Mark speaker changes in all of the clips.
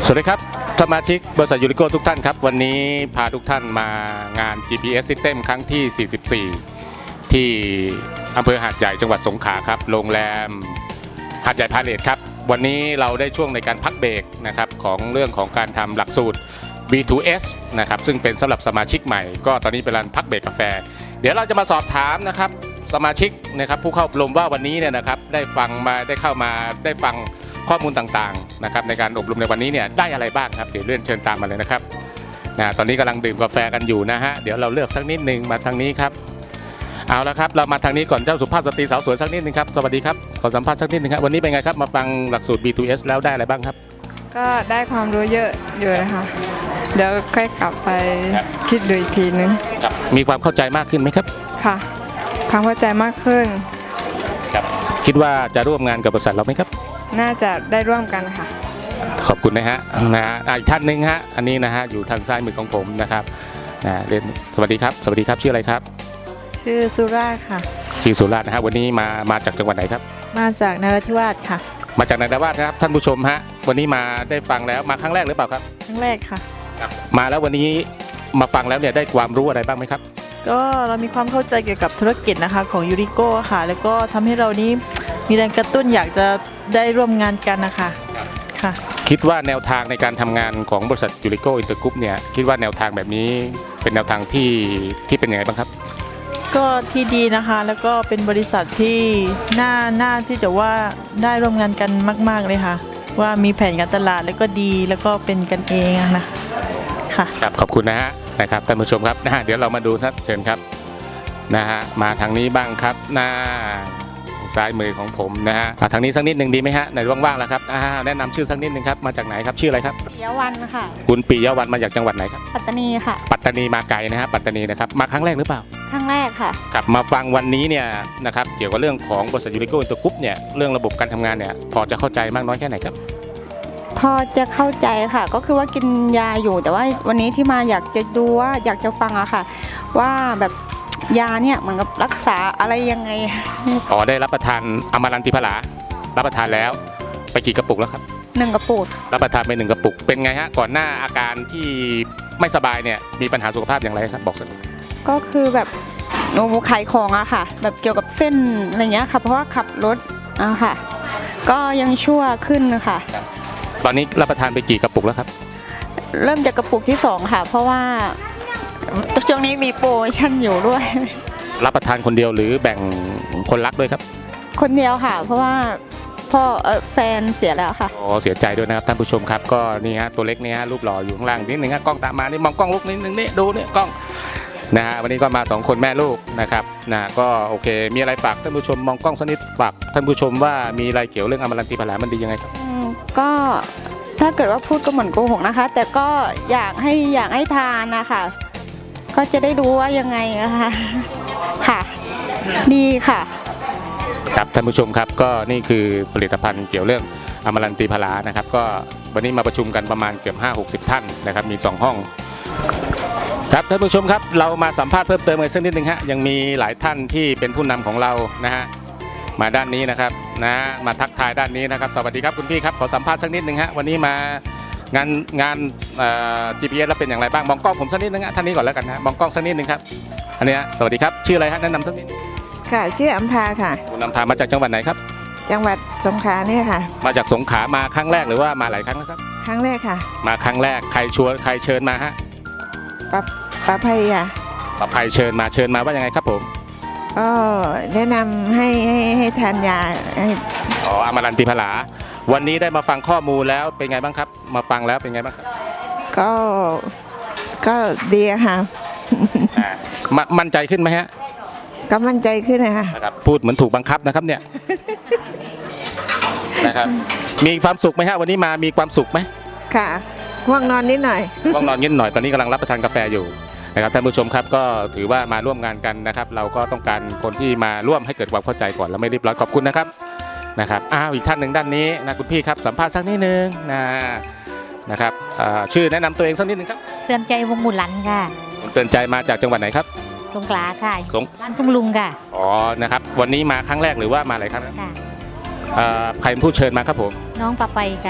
Speaker 1: สวัสดีครับสมาชิกบริษัทยูริโก้ทุกท่านครับวันนี้พาทุกท่านมางาน GPS System ครั้งที่ 44 ที่อำเภอหาดใหญ่จังหวัดสงขลาครับโรงแรมหาดใหญ่พาเลทครับวันนี้เราได้ช่วงในการพักเบรกนะครับของเรื่องของการทำหลักสูตร B2S นะครับซึ่งเป็นสำหรับสมาชิกใหม่ก็ตอนนี้เป็นการพักเบรกกาแฟเดี๋ยวเราจะมาสอบถามนะครับสมาชิกนะครับผู้เข้าอบรมว่าวันนี้เนี่ยนะครับได้ฟังมาได้เข้ามาได้ฟังข้อมูลต่างๆนะครับในการอบรมในวันนี้เนี่ยได้อะไรบ้างครับเดี๋ยวเลื่อนเชิญตามมาเลยนะครับตอนนี้กำลังดื่มกาแฟกันอยู่นะฮะเดี๋ยวเราเลือกสักนิดนึงมาทางนี้ครับเอาละครับเรามาทางนี้ก่อนเจ้าสุภาพสตรีสาวสวยสักนิดนึงครับสวัสดีครับขอสัมภาษณ์สักนิดนึงครับวันนี้เป็นไงครับมาฟังหลักสูตร B2S แล้วได้อะไรบ้างครับ
Speaker 2: ก็ได้ความรู้เยอะอยู่นะคะเดี๋ยวค่อยกลับไปคิดดูอีกทีนึง
Speaker 1: ครับมีความเข้าใจมากขึ้นไหมครับ
Speaker 2: ค่ะความเข้าใจมากขึ้น
Speaker 1: ครับคิดว่าจะร่วมงานกับบริษัทเราไหมครับ
Speaker 2: น่าจะได้ร่วมกันค่ะ
Speaker 1: ขอบคุณนะฮะอีกท่านหนึ่งฮะอันนี้นะฮะอยู่ทางซ้ายมือของผมนะครับเรียนสวัสดีครับสวัสดีครับชื่ออะไรครับ
Speaker 3: ชื่อสุราค่ะ
Speaker 1: ชื่อสุราษฎร์นะฮะวันนี้มาจากจังหวัดไหนครับ
Speaker 3: มาจากนราธิวาสค่ะ
Speaker 1: มาจากนราธิวาสนะครับท่านผู้ชมฮะวันนี้มาได้ฟังแล้วมาครั้งแรกหรือเปล่าครับ
Speaker 3: ครั้งแรกค่ะ
Speaker 1: มาแล้ววันนี้มาฟังแล้วเนี่ยได้ความรู้อะไรบ้างไหมครับ
Speaker 3: ก็เรามีความเข้าใจเกี่ยวกับธุรกิจนะคะของยูริโก้ค่ะแล้วก็ทำให้เรานี้มีแรงกระตุ้นอยากจะได้ร่วมงานกันนะคะค่ะ
Speaker 1: คิดว่าแนวทางในการทำงานของบริษัทยูริโก้อินเตอร์กรุ๊ปเนี่ยคิดว่าแนวทางแบบนี้เป็นแนวทางที่เป็นยังไงบ้างครับ
Speaker 3: ก็ที่ดีนะคะแล้วก็เป็นบริษัทที่น่าที่จะว่าได้ร่วมงานกันมากๆเลยค่ะว่ามีแผนการตลาดแล้วก็ดีแล้วก็เป็นกันเองนะค่ะ
Speaker 1: ครับขอบคุณนะฮะนะครับท่านผู้ชมครับนะฮะเดี๋ยวเรามาดูครับเชิญครับนะฮะมาทางนี้บ้างครับหน้าซ้ายมือของผมนะฮะทางนี้สักนิดหนึ่งดีไหมฮะในว่างๆแล้วครับแนะนำชื่อสักนิดหนึ่งครับมาจากไหนครับชื่ออะไรครับ
Speaker 4: ปิยวันค่ะ
Speaker 1: คุณปิยวันมาจากจังหวัดไหนครับ
Speaker 4: ปัตตานีค่ะ
Speaker 1: ปัตตานีมาไกลนะฮะปัตตานีนะครับมาครั้งแรกหรือเปล่า
Speaker 4: ครั้งแรกค่ะ
Speaker 1: กลับมาฟังวันนี้เนี่ยนะครับเกี่ยวกับเรื่องของบริษัทยูริโก้อินเตอร์กรุ๊ปเนี่ยเรื่องระบบการทำงานเนี่ยพอจะเข้าใจมากน้อยแค่ไหนครับ
Speaker 4: พอจะเข้าใจค่ะก็คือว่ากินยาอยู่แต่ว่าวันนี้ที่มาอยากจะดูว่าอยากจะฟังอะค่ะว่าแบบยาเนี่ยเหมือนกับรักษาอะไรยังไง
Speaker 1: ได้รับประทานอมรันติพลารับประทานแล้วไปกี่กระปุกแล้วครับ
Speaker 4: 1 กระปุก
Speaker 1: รับประทานไป1 กระปุกเป็นไงฮะก่อนหน้าอาการที่ไม่สบายเนี่ยมีปัญหาสุขภาพอย่างไรครับบอกสัก
Speaker 4: ก็คือแบบหนูขายของอะค่ะแบบเกี่ยวกับเส้นอะไรเงี้ยค่ะเพราะว่าขับรถอะค่ะก็ยังชั่วขึ้นค่ะ
Speaker 1: ตอนนี้รับประทานไปกี่กระปุกแล้วครับ
Speaker 4: เริ่มจากกระปุกที่2ค่ะเพราะว่าช่วงนี้มีโปรโมชั่นอยู่ด้วย
Speaker 1: รับประทานคนเดียวหรือแบ่งคนรักด้วยครับ
Speaker 4: คนเดียวค่ะเพราะว่าพ่อแฟนเสียแล้วค่ะ
Speaker 1: เสียใจด้วยนะครับท่านผู้ชมครับก็นี่ฮะตัวเล็กนี่ฮะรูปหล่ออยู่ข้างล่างนิดนึงฮะกล้องตามมานี่มองกล้องลูกนิดนึงนี่ดูนี่กล้องนะฮะวันนี้ก็มา2 คนแม่ลูกนะครับก็โอเคมีอะไรฝากท่านผู้ชมมองกล้องสักนิดฝากท่านผู้ชมว่ามีอะไรเกี่ยวเรื่องอมรันติพลามันดียังไงครับ
Speaker 4: ก็ถ้าเกิดว่าพูดก็เหมือนโกหกนะคะแต่ก็อยากให้ทานนะคะก็จะได้รู้ว่ายังไงนะคะค่ะดีค่ะ
Speaker 1: ครับท่านผู้ชมครับก็นี่คือผลิตภัณฑ์เกี่ยวเรื่องอมรันติพลานะครับก็วันนี้มาประชุมกันประมาณเกือบ50-60 ท่านนะครับมี2 ห้องครับท่านผู้ชมครับเรามาสัมภาษณ์เพิ่มเติมกันสักนิดนึงฮะยังมีหลายท่านที่เป็นผู้นำของเรานะฮะมาด้านนี้นะครับมาทักทายด้านนี้นะครับสวัสดีครับคุณพี่ครับขอสัมภาษณ์สักนิดนึงฮะวันนี้มางานGPS แล้วเป็นอย่างไรบ้างมองกล้องผมสักนิดนึงฮะท่านนี้ก่อนแล้วกันนะมองกล้องสักนิดนึงครับอันนี้สวัสดีครับชื่ออะไรฮะแนะนำสักนิด
Speaker 2: ค่ะชื่ออัมพาค่ะ
Speaker 1: คุณอัมพามาจากจังหวัดไหนครับ
Speaker 2: จังหวัดสงขลาเนี่ยค่ะ
Speaker 1: มาจากสงขลามาครั้งแรกหรือว่ามาหลายครั้งแล้วครับ
Speaker 2: ครั้งแรกค่ะ
Speaker 1: มาครั้งแรกใครเชิญมาฮะ
Speaker 2: ป้าภัยค่ะ
Speaker 1: ป้าภัยเชิญมาว่ายังไงครับผม
Speaker 2: ก็แนะนำให้ทานยา
Speaker 1: อมรันติพลาวันนี้ได้มาฟังข้อมูลแล้วเป็นไงบ้างครับมาฟังแล้วเป็นไงบ้างครับ
Speaker 2: ก็ดีค่ะ
Speaker 1: มั่นใจขึ้นไหมฮะ
Speaker 2: ก็มั่นใจขึ้นนะคะ
Speaker 1: พูดเหมือนถูกบังคับนะครับเนี่ยนะครับมีความสุขไหมฮะวันนี้มีความสุขไหม
Speaker 2: ค่ะง่วงนอนนิดหน่อย
Speaker 1: ง่วงนอนนิดหน่อยตอนนี้กำลังรับประทานกาแฟอยู่นะครับท่านผู้ชมครับก็ถือว่ามาร่วมงานกันนะครับเราก็ต้องการคนที่มาร่วมให้เกิดความเข้าใจก่อนแล้วไม่รีบร้อนขอบคุณนะครับอีกท่านหนึ่งด้านนี้นะคุณพี่ครับสัมภาษณ์สักนิดนึงนะครับชื่อแนะนำตัวเองสักนิดนึงครับ
Speaker 5: เตือนใจวงบุหลันค่ะ
Speaker 1: เตือนใจมาจากจังหวัดไหนครับ
Speaker 5: สงขลาค่ะบ้านทุ่งลุงค่ะ
Speaker 1: นะครับวันนี้มาครั้งแรกหรือว่ามาหลายครั้งค่ะใครเป็นผู้เชิญมาครับผม
Speaker 5: น้องปะไปค่ะ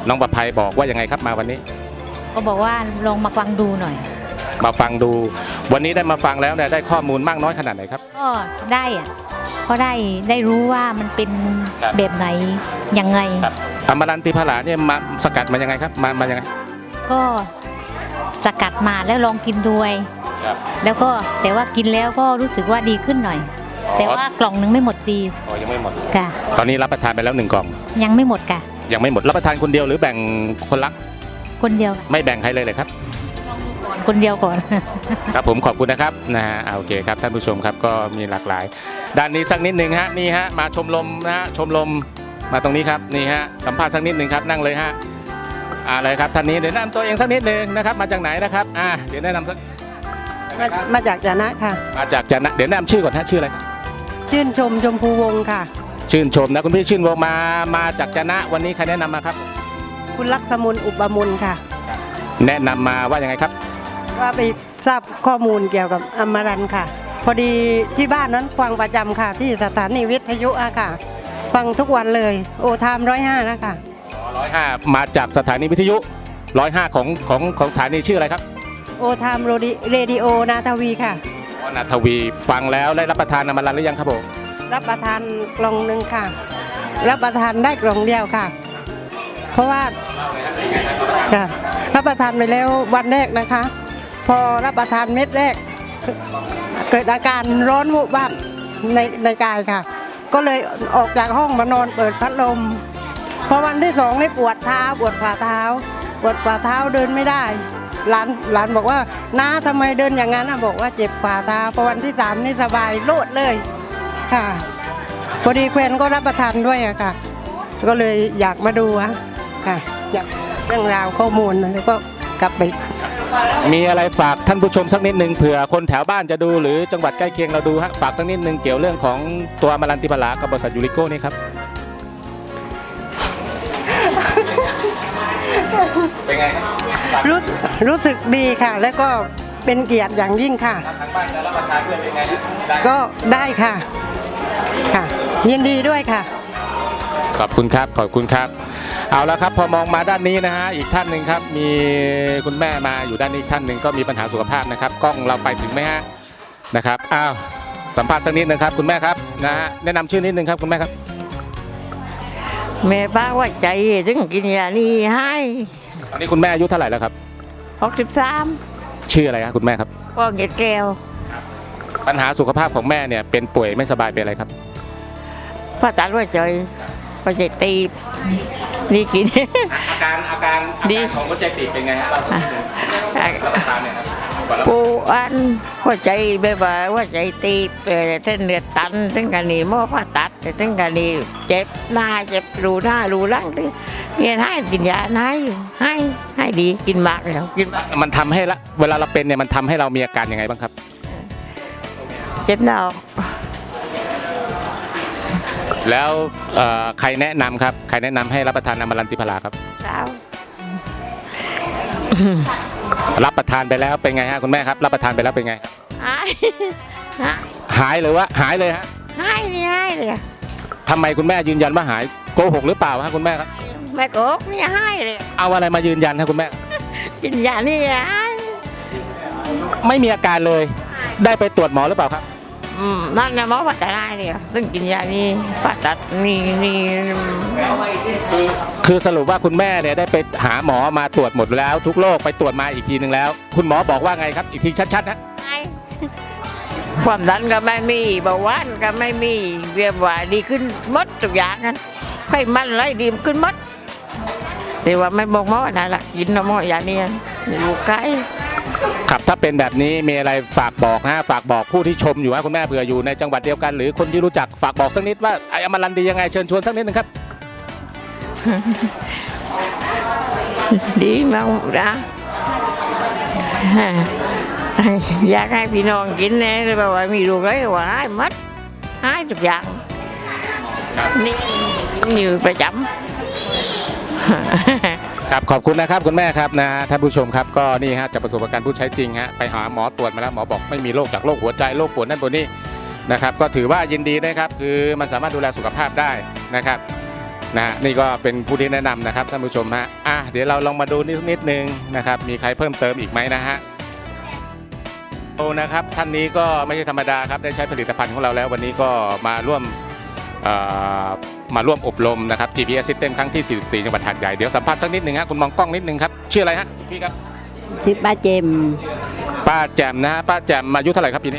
Speaker 1: น้องประภัยบอกว่ายังไงครับมาวันนี้
Speaker 5: ก็บอกว่าลองมาฟังดูหน่อย
Speaker 1: มาฟังดู วันนี้ได้มาฟังแล้วเนี่ยได้ข้อมูลมากน้อยขนาดไหนครับ
Speaker 5: ก็ได้อะก็ได้รู้ว่ามันเป็น
Speaker 1: ครับ
Speaker 5: แบบไหนยังไง
Speaker 1: อมรันติพลาเนี่ยมาสกัดมายังไงครับมายังไง
Speaker 5: ก็สกัดมาแล้วลองกินด้วย
Speaker 1: ครับ
Speaker 5: แล้วก็แต่ว่ากินแล้วก็รู้สึกว่าดีขึ้นหน่อย แต่ว่ากล่องหนึงไม่หมดดี
Speaker 1: อ๋อยังไม่หมด
Speaker 5: ค่ะ
Speaker 1: ตอนนี้รับประทานไปแล้ว1 กล่อง
Speaker 5: ยังไม่หมดค่ะ
Speaker 1: ยังไม่หมดรับประทานคนเดียวหรือแบ่งคนรัก
Speaker 5: คนเดียว
Speaker 1: ไม่แบ่งใครเลยครับ
Speaker 5: คนเดียวก่อน
Speaker 1: ครับผมขอบคุณนะครับนะฮะโอเคครับท่านผู้ชมครับก็มีหลากหลาย ด้านนี้สักนิดหนึ่งฮะนี่ฮะมาชมลมนะฮะชมลมมาตรงนี้ครับนี่ฮะสัมภาษณ์สักนิดหนึ่งครับนั่งเลยฮะเลยครับท่านนี้เดี๋ยวแนะนำตัวเองสักนิดหนึ่งนะครับมาจากไหนนะครับเดี๋ยวแนะนำสัก
Speaker 6: มาจากจนะค่ะ
Speaker 1: มาจากจะนะเดี๋ยวแนะนำชื่อก่อนฮะชื่ออะไรครับ
Speaker 6: ชื่นชมชมพูวงศ์ค่ะ
Speaker 1: ชื่นชมนะคุณพี่ชื่นวงมาจากจะนะวันนี้ใครแนะนำมาครับ
Speaker 6: คุณลักษมุนอุปมุนค่ะ
Speaker 1: แนะนำมาว่ายังไงครับ
Speaker 6: ว่าไปทราบข้อมูลเกี่ยวกับอมรันค่ะ พอดีที่บ้านนั้นฟังประจำค่ะ ที่สถานีวิทยุอะค่ะ ฟังทุกวันเลยโอไทม์105นะคะ
Speaker 1: 105มาจากสถานีวิทยุ105ของสถานีชื่ออะไรครับ
Speaker 6: โอไทม์เรดิโอนาทวีค่ะ
Speaker 1: นาทวีฟังแล้วได้รับประทานอมรันหรือยังครับผม
Speaker 6: รับประทานกล่องหนึ่งค่ะ รับประทานได้กล่องเดียวค่ะ เพราะว่าค่ะรับประทานไปแล้ววันแรกนะคะ พอรับประทานเม็ดแรก เกิดอาการร้อนวูบวาบในกายค่ะ ก็เลยออกจากห้องมานอนเปิดพัดลมพอวันที่สองนี่ปวดเท้าปวดฝ่าเท้าเดินไม่ได้หลานบอกว่าน้าทำไมเดินอย่างนั้นบอกว่าเจ็บฝ่าเท้าพอวันที่สามนี่สบายโลดเลยค่ะพอดีแควนก็รับประทานด้วยอะค่ะ ก็เลยอยากมาดูค่ะอยากเรื่องราวข้อมูลแล้วก็กลับไป
Speaker 1: มีอะไรฝากท่านผู้ชมสักนิดหนึ่งเผื่อคนแถวบ้านจะดูหรือจังหวัดใกล้เคียงเราดูฮะฝากสักนิดหนึ่งเกี่ยวเรื่องของตัวอมรันติพลากับบริษัทยูริโก้นี่ครับเป็นไงครับ
Speaker 6: รู้สึกดีค่ะ แล้วก็เป็นเกียรติอย่างยิ่งค่ะ
Speaker 1: ทางบ้านจะรับประทานด้วยเป็นไงได้
Speaker 6: ก็ได้ค่ะค่ะ ยินดีด้วยค่ะ
Speaker 1: ขอบคุณครับขอบคุณครับเอาละครับพอมองมาด้านนี้นะฮะอีกท่านหนึ่งครับมีคุณแม่มาอยู่ด้านนี้อีกท่านหนึ่งก็มีปัญหาสุขภาพนะครับกล้องเราไปถึงไหมฮะนะครับสัมภาษณ์สักนิดนึงครับคุณแม่ครับนะฮะแนะนำชื่อนิดนึงครับคุณแม่ครับ
Speaker 7: แม่ป้าว่าใจถึงกินยานี่ให้
Speaker 1: ตอนนี้คุณแม่อายุเท่าไหร่แล้วครับ
Speaker 7: 63
Speaker 1: ชื่ออะไรครับคุณแม่ครับ
Speaker 7: พ่อเกดแก้ว
Speaker 1: ปัญหาสุขภาพของแม่เนี่ยเป็นป่วยไม่สบายเป็นอะไรครับ
Speaker 7: พ่อตัดว่าใจพ่อใจตีบนี่กิน
Speaker 1: อาการ
Speaker 7: ดี
Speaker 1: ของหัวใจตีบเป็นไงฮะเราสักนิดนึงรับประทานเนี่ยครับก่อนรับ
Speaker 7: ปูอันหัวใจแบบว่าใจตีบเส้นเลือดตันถึงกันนี่หม้อผ่าตัดถึงกันนี่เจ็บหน้าเจ็บรูหน้ารูหลังเนี่ยให้กินยาให้ดีกินมากแล้วกินมาก
Speaker 1: มันทำให้ละเวลาเราเป็นเนี่ยมันทำให้เรามีอาการยังไงบ้างครับ
Speaker 7: เจ็บหน้าอก
Speaker 1: แล้วใครแนะนำครับใครแนะนำให้รับประทานอมรันติพลาครับ
Speaker 7: เช้า
Speaker 1: รับประทานไปแล้วเป็นไงฮะคุณแม่ครับรับประทานไปแล้วเป็นไง
Speaker 7: หาย
Speaker 1: หายหรือว่าหายเลยฮะ
Speaker 7: นี่ให้เลย
Speaker 1: ทำไมคุณแม่ยืนยันว่าหายโกหกหรือเปล่าฮะคุณแม่ครับ
Speaker 7: แม่โกกนี่ให้เลย
Speaker 1: เอาอะไรมายืนยันครับคุณแม่
Speaker 7: กินยานี่ให้
Speaker 1: ไม่มีอาการเลย ได้ไปตรวจหมอหรือเปล่าครับ
Speaker 7: นั่นนะหมอว่าจะได้เลยซึ่งกินยานี่ผ่าตัดนี่
Speaker 1: คือสรุปว่าคุณแม่เนี่ยได้ไปหาหมอมาตรวจหมดแล้วทุกโรคไปตรวจมาอีกทีหนึ่งแล้ว คุณหมอบอกว่าไงครับอีกทีชัดๆนะ
Speaker 7: ความดันก็ไม่มีเบาหวานก็ไม่มีเรียบว่าดีขึ้นหมดทุกอย่างนั้นไขมันไรดีขึ้นหมดแต่ว่าไม่บอกหมอนะล่ะกินหมอยานี่อยู่ใกล้
Speaker 1: ครับถ้าเป็นแบบนี้มีอะไรฝากบอกฮะฝากบอกผู้ที่ชมอยู่ฮะคุณแม่เผื่ออยู่ในจังหวัดเดียวกัน หรือคนที่รู้จักฝากบอกสักนิดว่าไอ้อมรันดียังไงเชิญชวนสักนิดนึงครับ
Speaker 7: ดีมากนะอยากให้พี่น้องกินนะแบบว่ามีลูกเลยว่าให้หมดให้ทุกอย่างนี่อยู่ประจำ
Speaker 1: ครับขอบคุณนะครับคุณแม่ครับนะท่านผู้ชมครับก็นี่ฮะจากประสบการณ์ผู้ใช้จริงฮะไปหาหมอตรวจมาแล้วหมอบอกไม่มีโรคจากโรคหัวใจโรคปวดนั่นปวดนี่นะครับก็ถือว่ายินดีนะครับคือมันสามารถดูแลสุขภาพได้นะครับนะฮะนี่ก็เป็นผู้ที่แนะนำนะครับท่านผู้ชมฮะเดี๋ยวเราลองมาดูนิดนึงนะครับมีใครเพิ่มเติมอีกไหมนะฮะโอ้นะครับท่านนี้ก็ไม่ใช่ธรรมดาครับได้ใช้ผลิตภัณฑ์ของเราแล้ววันนี้ก็มาร่วมอบรมนะครับ GPS System ครั้งที่ 44 จังหวัดหาดใหญ่เดี๋ยวสัมภาษณ์สักนิดหนึ่งฮะคุณมองกล้องนิดนึงครับชื่ออะไรฮะพี่ครับ
Speaker 8: ชื่อป้าเจม
Speaker 1: ป้าแจ่มนะฮะป้าแจ่มอายุเท่าไหร่ครับปีนี้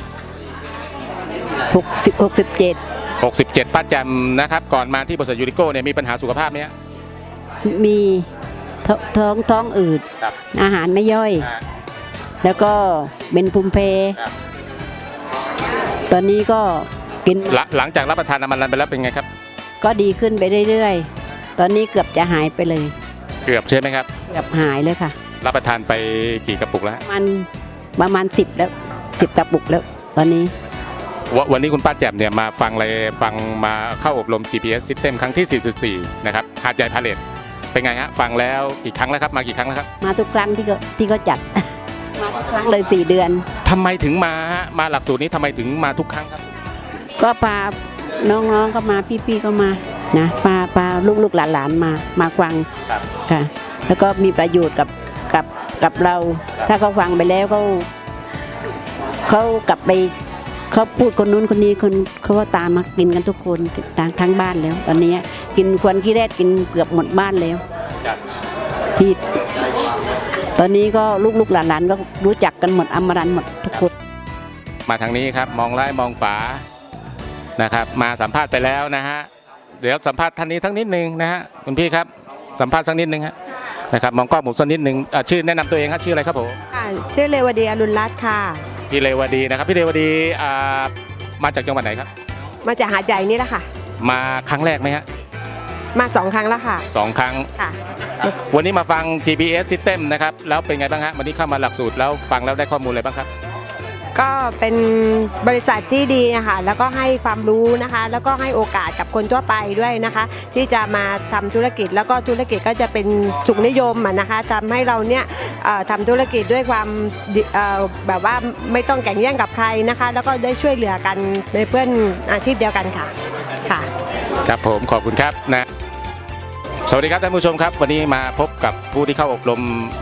Speaker 8: 67
Speaker 1: 67ป้าแจ่มนะครับก่อนมาที่บริษัทยูริโก้เนี่ยมีปัญหาสุขภาพไหมฮะ
Speaker 8: มีท้องอืด
Speaker 1: ครับ
Speaker 8: อาหารไม่ย่อย
Speaker 1: อ่า
Speaker 8: แล้วก็เป็นภูมิแพ้
Speaker 1: ครับ
Speaker 8: ตอนนี้ก็กิน
Speaker 1: หลังจากรับประทานอามันรันไปแล้วเป็นไงครับ
Speaker 8: ก็ดีขึ้นไปเรื่อยๆ ตอนนี้เกือบจะหายไปเลย
Speaker 1: เกือบใช่ไหมครับ
Speaker 8: เกือบหายเลยค่ะ
Speaker 1: รับประทานไปกี่กระปุกแล้วฮะ
Speaker 8: ประมาณ10แล้ว10กระปุกแล้ว ตอนนี้
Speaker 1: วันนี้คุณป้าแจ่มเนี่ยมาฟังมาเข้าอบรม GPS System ครั้งที่ 44นะครับหาดใหญ่พาเลทเป็นไงฮะฟังแล้วกี่ครั้งแล้วครับมากี่ครั้งแล้วครับ
Speaker 8: มาทุกครั้งที่เขาจัด มาทุกครั้งเลย4 เดือน
Speaker 1: ทำไมถึงมาฮะมาหลักสูตรนี้ทำไมถึงมาทุกครั้งครับ
Speaker 8: ก็พาน้องๆก็มาพี่ๆก็มานะพาลูกๆหลานๆมาฟัง
Speaker 1: ครับ
Speaker 8: ค่ะ แล้วก็มีประโยชน์กับเรา ถ้าเขาฟังไปแล้วเขากลับไปเขาพูดคนนู้นคนนี้เขาก็ตามมากินกันทุกคนทั้งบ้านแล้ว ตอนนี้กินควนขี้แรดกินเกือบหมดบ้านแล้ว
Speaker 1: ครับ
Speaker 8: พี่ตอนนี้ก็ลูกๆหลานๆก็รู้จักกันหมดอมรันต์หมดทุกคน
Speaker 1: มาทางนี้ครับมองซ้ายมองขวานะครับมาสัมภาษณ์ไปแล้วนะฮะเดี๋ยวสัมภาษณ์ท่านนี้ทั้งนิดนึงนะฮะคุณพี่ครับสัมภาษณ์สักนิดนึงฮะนะครับมองกล้องผมสักนิดนึงชื่อแนะนำตัวเองครับชื่ออะไรครับผม
Speaker 9: ค่ะชื่อเรวดีอรุณรัตน์ค่ะ
Speaker 1: พี่เรวดีนะครับพี่เรวดีมาจากจังหวัดไหนครับ
Speaker 9: มาจากหาดใหญ่นี่แหละค่ะ
Speaker 1: มาครั้งแรกไหมฮะ
Speaker 9: มา2 ครั้งแล้วค่ะ
Speaker 1: 2 ครั้ง
Speaker 9: ค่ะ
Speaker 1: ครับวันนี้มาฟัง GPS System นะครับแล้วเป็นไงบ้างฮะวันนี้เข้ามาหลักสูตรแล้วฟังแล้วได้ข้อมูลอะไรบ้างครับ
Speaker 9: ก็เป็นบริษัทที่ดีนะคะแล้วก็ให้ความรู้นะคะ แล้วก็ให้โอกาสกับคนทั่วไปด้วยนะคะ ที่จะมาทำธุรกิจแล้วก็ธุรกิจก็จะเป็นสุขนิยมนะคะทำให้เราเนี่ยทำธุรกิจด้วยความแบบว่าไม่ต้องแข่งแย่งกับใครนะคะ แล้วก็ได้ช่วยเหลือกันในเพื่อนอาชีพเดียวกันค่ะค่ะ
Speaker 1: ครับผมขอบคุณครับนะสวัสดีครับท่านผู้ชมครับวันนี้มาพบกับผู้ที่เข้าอบรม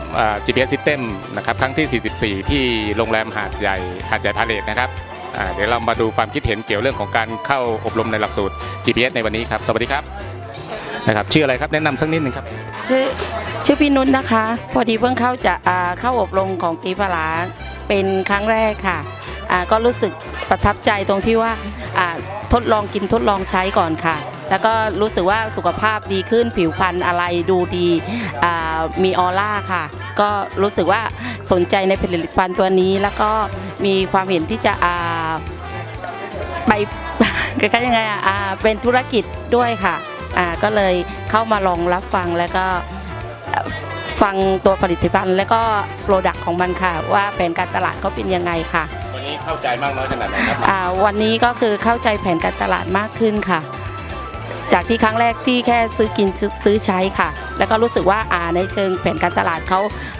Speaker 1: GPS System นะครับครั้งที่ 44 ที่โรงแรมหาดใหญ่พาเลทนะครับเดี๋ยวเรามาดูความคิดเห็นเกี่ยวเรื่องของการเข้าอบรมในหลักสูตร GPS ในวันนี้ครับสวัสดีครับนะครับชื่ออะไรครับแนะนำสักนิดหนึ่งครับ
Speaker 10: ชื่อพี่นุชนะคะ พอดีเพิ่งเข้าอบรมของกีฬาเป็นครั้งแรกค่ะก็รู้สึกประทับใจตรงที่ว่าทดลองกินทดลองใช้ก่อนค่ะ แล้วก็รู้สึกว่าสุขภาพดีขึ้นผิวพรรณอะไรดูดีมีออร่าค่ะ ก็รู้สึกว่าสนใจในผลิตภัณฑ์ตัวนี้ แล้วก็มีความเห็นที่จะไป คล้ายๆยังไงเป็นธุรกิจด้วยค่ะก็เลยเข้ามาลองรับฟังแล้วก็ฟังตัวผลิตภัณฑ์แล้วก็โปรดักต์ของมันค่ะว่าแผนการตลาดเขาเป็นยังไงค่ะ
Speaker 1: วันนี้เข้าใจมากน้อยขนาดไหนครับ
Speaker 10: วันนี้ก็คือเข้าใจแผนการตลาดมากขึ้นค่ะจากที่ครั้งแรกที่แค่ซื้อกินซื้อใช้ค่ะแล้วก็รู้สึกว่าในเชิงแผนการตลาดเขา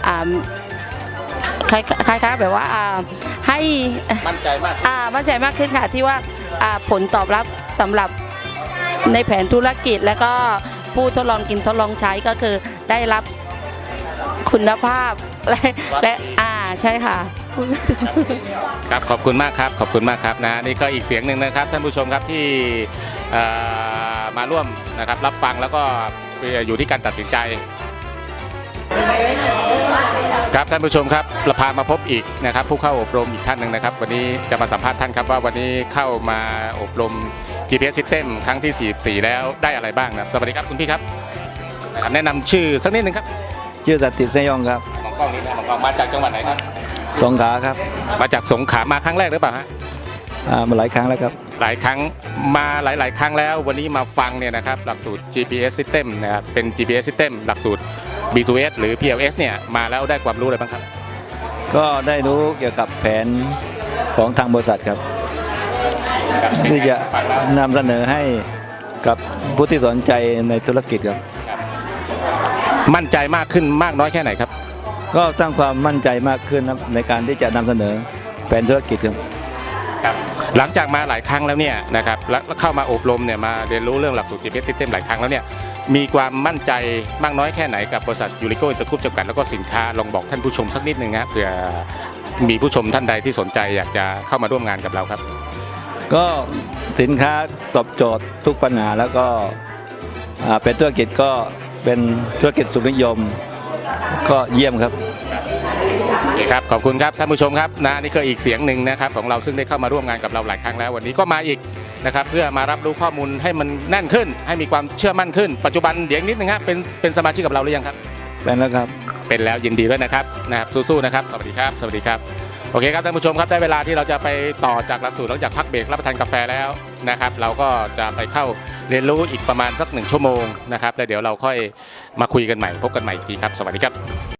Speaker 10: คล้ายๆแบบว่าให้
Speaker 1: มั่นใจมาก
Speaker 10: ขึ้นค่ะที่ว่าผลตอบรับสำหรับในแผนธุรกิจแล้วก็ผู้ทดลองกินทดลองใช้ก็คือได้รับคุณภาพและใช่ค่ะ
Speaker 1: ครับขอบคุณมากครับขอบคุณมากครับนะนี่ก็อีกเสียงหนึ่งนะครับท่านผู้ชมครับที่มาร่วมนะครับรับฟังแล้วก็อยู่ที่การตัดสินใจครับท่านผู้ชมครับเราพามาพบอีกนะครับผู้เข้าอบรมอีกท่านหนึ่งนะครับวันนี้จะมาสัมภาษณ์ท่านครับว่าวันนี้เข้ามาอบรม GPS System ครั้งที่ 44 แล้วได้อะไรบ้างนะสวัสดีครับคุณพี่ครับแนะนำชื่อสักนิดหนึ่งครับ
Speaker 11: ชื่อสัตติเสยองครับ
Speaker 1: มองกล้องนี้นะมองกล้องมาจากจังหวัดไหนครับ
Speaker 11: สงขลาครับ
Speaker 1: มาจากสงขลามาครั้งแรกหรือเปล่าฮะ
Speaker 11: มาหลายครั้งแล้วครับ
Speaker 1: หลายครั้งมาหลายครั้งแล้ววันนี้มาฟังเนี่ยนะครับหลักสูตร GPS System นะครับเป็น GPS System หลักสูตร B2S หรือ PLS เนี่ยมาแล้วได้ความรู้อะไรบ้างครับ
Speaker 11: ก็ได้รู้เกี่ยวกับแผนของทางบริษัทครับที่จะนำเสนอให้กับผู้ที่สนใจในธุรกิจครับ
Speaker 1: มั่นใจมากขึ้นมากน้อยแค่ไหนครับ
Speaker 11: ก็สร้างความมั่นใจมากขึ้นในการที่จะนำเสนอแผนธุรกิจครับ
Speaker 1: หลังจากมาหลายครั้งแล้วเนี่ยนะครับแล้วเข้ามาอบรมเนี่ยมาเรียนรู้เรื่องหลักสูตร GPS System หลายครั้งแล้วเนี่ยมีความมั่นใจมากน้อยแค่ไหนกับบริษัทยูริโกอินเตอร์กรุ๊ปจำกัดแล้วก็สินค้าลองบอกท่านผู้ชมสักนิดนึงนะเผื่อมีผู้ชมท่านใดที่สนใจอยากจะเข้ามาร่วมงานกับเราครับ
Speaker 11: ก็สินค้าตอบโจทย์ทุกปัญหาแล้วก็เป็นธุรกิจก็เป็นธุรกิจสุขนิยมก็เยี่ยมครับ
Speaker 1: โอเคครับขอบคุณครับท่านผู้ชมครับนะนี่ก็อีกเสียงหนึ่งนะครับของเราซึ่งได้เข้ามาร่วมงานกับเราหลายครั้งแล้ววันนี้ก็มาอีกนะครับเพื่อมารับรู้ข้อมูลให้มันแน่นขึ้น ให้มีความเชื่อมั่นขึ้นปัจจุบันเดี๋ยวนิดนึงครับเป็นสมาชิกกับเราหรือยังครับ
Speaker 11: เป็นแล้วครับ
Speaker 1: เป็นแล้วยินดีด้วยนะครับสู้ๆนะครับสวัสดีครับสวัสดีครับโอเคครับท่านผู้ชมครับได้เวลาที่เราจะไปต่อจากหลักสูตรหลังจากพักเบรกรับประทานกาแฟแล้วนะครับเราก็จะไปเข้าเรียนรู้อีกประมาณสัก1 ชั่วโมงนะครับแล้วเดี๋ยวเราค่อยมาคุยกันใหม่พบกันใหม่อีกทีครับสวัสดีครับ